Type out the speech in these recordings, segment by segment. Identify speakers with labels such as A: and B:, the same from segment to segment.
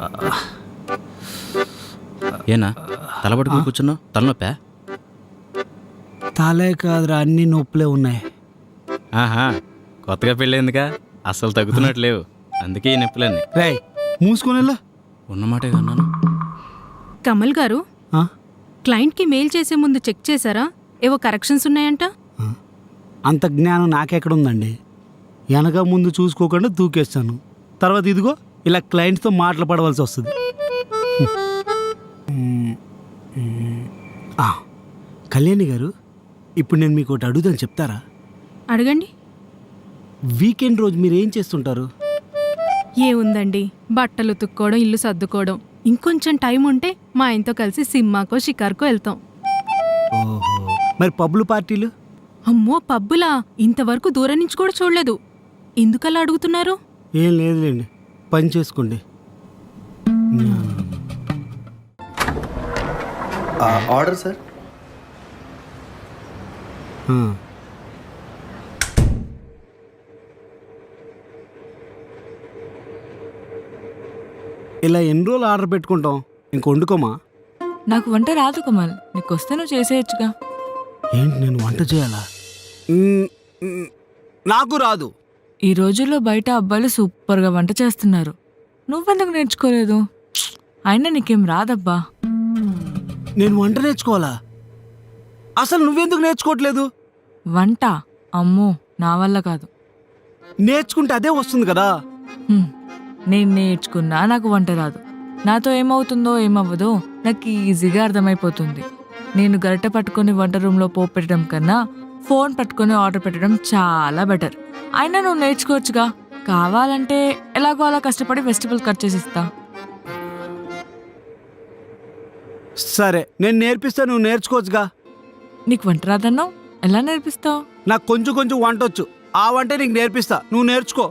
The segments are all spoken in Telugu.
A: ఏనా తలబడుకుని కూర్చున్నావు? తలనొప్పా?
B: తలే కాదురా, అన్ని నొప్పులే ఉన్నాయి.
A: ఆహా, కొత్తగా పెళ్ళేందుకా? అస్సలు తగ్గుతున్నట్లేవు, అందుకే ఈ నొప్పులన్నీ.
B: రేయ్ మూసుకునేలా
A: ఉన్నమాటే అన్నాను.
C: కమల్ గారు, క్లయింట్కి మెయిల్ చేసే ముందు చెక్ చేశారా? ఏవో కరెక్షన్స్ ఉన్నాయంట.
B: అంత జ్ఞానం నాకెక్కడుందండి? వెనక ముందు చూసుకోకుండా దూకేస్తాను. తర్వాత ఇదిగో ఇలా క్లయింట్స్తో మాటలు పడవలసి వస్తుంది. కళ్యాణి గారు, ఇప్పుడు నేను మీకు ఒకటి అడుగుతాను, చెప్తారా?
C: అడగండి.
B: వీకెండ్ రోజు మీరు ఏం చేస్తుంటారు?
C: ఏముందండి, బట్టలు ఉతుక్కోవడం, ఇల్లు సర్దుకోవడం. ఇంకొంచెం టైం ఉంటే మా ఆయనతో కలిసి సినిమాకో షికార్కో వెళ్తాం.
B: ఓహో, మరి పబ్బులు పార్టీలు?
C: అమ్మో, పబ్బులా? ఇంతవరకు దూరం నుంచి కూడా చూడలేదు. ఎందుకలా అడుగుతున్నారు?
B: ఏం లేదులేండి, పని చేసుకోండి.
D: Order sir.
B: ఇలా ఎన్ని రోజులు ఆర్డర్ పెట్టుకుంటాం? ఇంక వండుకోమా?
E: నాకు వంట రాదు కమల్, నీకు వస్తే నువ్వు చేసేయచ్చుగా.
B: ఏంటి, నేను వంట చేయాలా? నాకు రాదు.
E: ఈ రోజుల్లో బయట అబ్బాయిలు సూపర్గా వంట చేస్తున్నారు, నువ్వెందుకు నేర్చుకోలేదు? అయినా నీకేం రాదబ్బా.
B: నేను వంట నేర్చుకోవాలా? అసలు నువ్వెందుకు నేర్చుకోవట్లేదు?
E: వంట అమ్మో నా వల్ల కాదు.
B: నేర్చుకుంటే అదే వస్తుంది కదా.
E: నేను నేర్చుకున్నా నాకు వంట రాదు. నాతో ఏమవుతుందో ఏమవ్వదో నాకు ఈజీగా అర్థమైపోతుంది. నేను గరిటె పట్టుకొని వంట రూమ్లో పోపు పెట్టడం కన్నా ఫోన్ పట్టుకొని ఆర్డర్ పెట్టడం చాలా బెటర్. అయినా నువ్వు నేర్చుకోవచ్చుగా. కావాలంటే ఎలాగో అలా కష్టపడి వెజిటబుల్ కట్ చేసి ఇస్తా.
B: సరే, నేను నేర్పిస్తా, నువ్వు నేర్చుకోవచ్చుగా.
E: నీకు వంట రాదన్నావు, ఎలా నేర్పిస్తావు?
B: నాకు కొంచెం కొంచెం వంట వచ్చు, ఆ వంట నీకు నేర్పిస్తా, నువ్వు నేర్చుకో.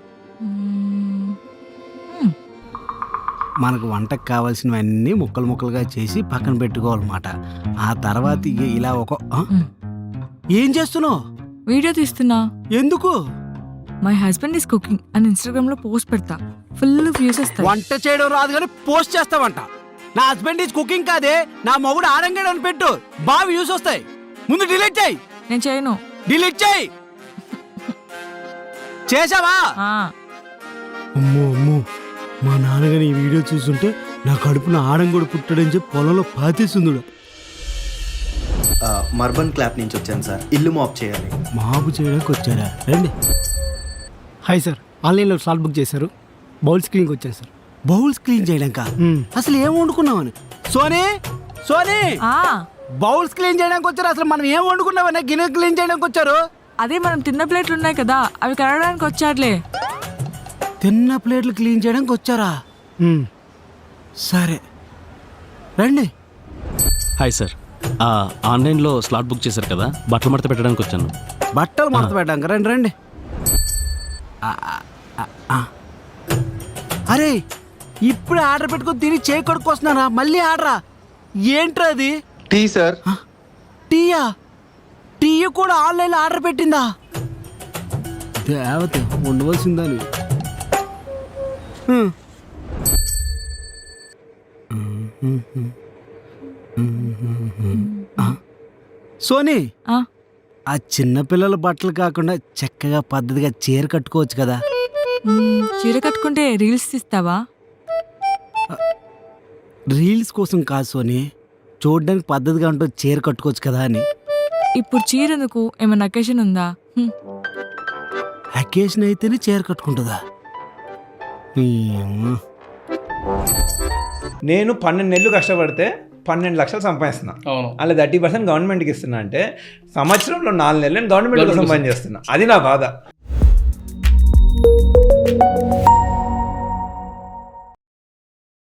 B: మనకు వంటకు కావాల్సినవన్నీ ముక్కలు ముక్కలుగా చేసి పక్కన పెట్టుకోవాలన్నమాట. ఆ తర్వాత ఇలా ఒక ఏం చేస్తున్నావు?
E: వీడియో తీస్తున్నా.
B: ఎందుకు?
E: మై హస్బెండ్ ఈస్ కుకింగ్ అని ఇన్స్టాగ్రామ్ లో పోస్ట్ పెడతా, ఫుల్ వ్యూస్ వస్తాయి.
B: వంట చేయడం రాదు కానీ పోస్ట్ చేస్తావంట. నా హస్బెండ్ ఈజ్ కుకింగ్ కాదే, నా మొగుడు ఆడంగాడు అని పెట్టు, బాగా వ్యూస్ వస్తాయి. ముందు డిలీట్ చేయి.
E: నేను చేయను.
B: డిలీట్ చేయి. చేసావా? అమ్మో అమ్మో, మా నాన్నగారు ఈ వీడియో చూస్తుంటే నా కడుపున ఆడంగోడు పుట్టాడని చెప్పి పొలంలో పాతేస్తుందుడు.
D: మర్బన్ క్లాప్ నుంచి వచ్చాను సార్, ఇల్లు మాప్ చేయాలి.
B: మాపు చేయడానికి వచ్చారా? రండి.
F: హాయ్ సార్, ఆన్లైన్లో స్లాట్ బుక్ చేశారు, బౌల్స్ క్లీన్కి వచ్చాను సార్.
B: బౌల్స్ క్లీన్ చేయడాక? అసలు ఏం వండుకున్నావని? సోనీ సోనీ, బౌల్స్ క్లీన్ చేయడానికి వచ్చారు. అసలు మనం ఏం వండుకున్నామని గిన్నె క్లీన్ చేయడానికి వచ్చారు?
E: అదే మనం తిన్న ప్లేట్లు ఉన్నాయి కదా, అవి కడగడానికి వచ్చారులే.
B: తిన్న ప్లేట్లు క్లీన్ చేయడానికి వచ్చారా? సరే రండి.
G: హాయ్ సార్, ఆన్లైన్లో స్లాట్ బుక్ చేశారు కదా, బట్టలు మడత పెట్టడానికి వచ్చాను.
B: బట్టలు మడత పెట్టడానికి? రండి రండి. అరే, ఇప్పుడు ఆర్డర్ పెట్టుకొని తిని చేయి కొడుకొస్తున్నారా? మళ్ళీ ఆర్డరా? ఏంట్రా అది?
D: Tea sir.
B: టీయా? టీ కూడా ఆన్లైన్లో ఆర్డర్ పెట్టిందా? దేవత ఉండవలసిందని. సోనీ, ఆ చిన్నపిల్లల బట్టలు కాకుండా చక్కగా పద్ధతిగా చీర కట్టుకోవచ్చు కదా.
E: చీర కట్టుకుంటే రీల్స్ తీస్తావా?
B: రీల్స్ కోసం కాదు సోనీ, చూడడానికి పద్ధతిగా ఉంటూ చీర కట్టుకోవచ్చు కదా అని.
E: ఇప్పుడు చీర ఎందుకు? ఏమైనా అకేషన్ ఉందా?
B: అకేషన్ అయితేనే చీర కట్టుకుంటుందా?
H: నేను 12 నెలలు కష్టపడితే 12 లక్షలు సంపాదిస్తున్నా. అలా 30% గవర్నమెంట్కి ఇస్తున్నా అంటే సంవత్సరంలో 4 నెలలు నేను గవర్నమెంట్ కోసం పని చేస్తున్నా. అది నా బాధ.